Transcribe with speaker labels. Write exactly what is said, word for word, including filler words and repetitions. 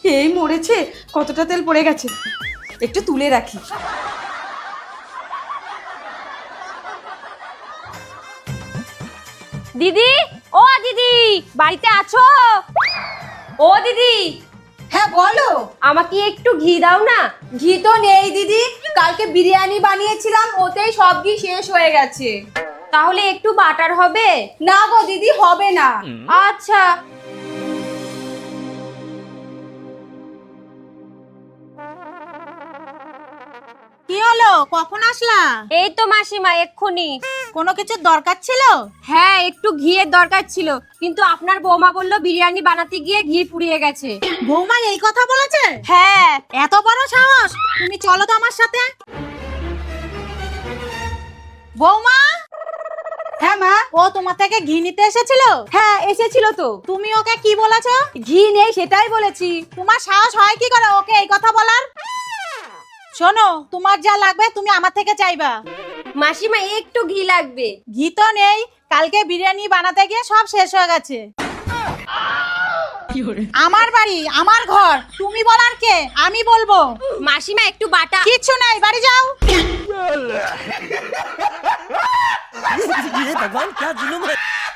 Speaker 1: এই মরেছে, কতটা তেল পড়ে গেছে, একটু তুলে রাখি।
Speaker 2: দিদি, ও দিদি, বাড়িতে আছো? ও দিদি।
Speaker 1: হ্যাঁ বলো।
Speaker 2: আমাকে একটু ঘি দাও না।
Speaker 1: ঘি তো নেই দিদি, কালকে বিরিয়ানি বানিয়েছিলাম, ওতেই সব ঘি শেষ হয়ে গেছে।
Speaker 2: তাহলে একটু বাটার হবে?
Speaker 1: না গো দিদি, হবে না।
Speaker 2: আচ্ছা।
Speaker 3: কি হলো, কখন আসলা?
Speaker 2: এই তো মাসিমা, এক্ষুনি।
Speaker 3: কোনো কিছুর দরকার ছিল?
Speaker 2: হ্যাঁ, একটু ঘিয়ের দরকার ছিল, কিন্তু আপনার বৌমা বললো বিরিয়ানি বানাতে গিয়ে ঘি ফুরিয়ে গেছে।
Speaker 3: বৌমা এই কথা বলেছে?
Speaker 2: হ্যাঁ।
Speaker 3: এত বড় সাহস! তুমি চলো তো আমার সাথে। বৌমা।
Speaker 1: হ্যাঁ মা।
Speaker 3: ও তোমার থেকে ঘি নিতে এসেছিল?
Speaker 1: হ্যাঁ এসেছিল তো।
Speaker 3: তুমি ওকে কি বলেছো?
Speaker 1: ঘি নেই সেটাই বলেছি।
Speaker 3: তোমার সাহস হয় কি করে ওকে এই কথা বলার? শোনো, তোমার যা লাগবে তুমি আমার থেকে চাইবা।
Speaker 2: মাসিমা একটু ঘি লাগবে।
Speaker 3: ঘি তো নেই, কালকে বিরিয়ানি বানাতে গিয়ে সব শেষ হয়ে গেছে। আমার বাড়ি, আমার ঘর, তুমি বলার কে? আমি বলবো।
Speaker 2: মাসিমা একটু বাটা।
Speaker 3: কিচ্ছু নেই, বাড়ি যাও।
Speaker 4: ये भगवान क्या जुलुम है।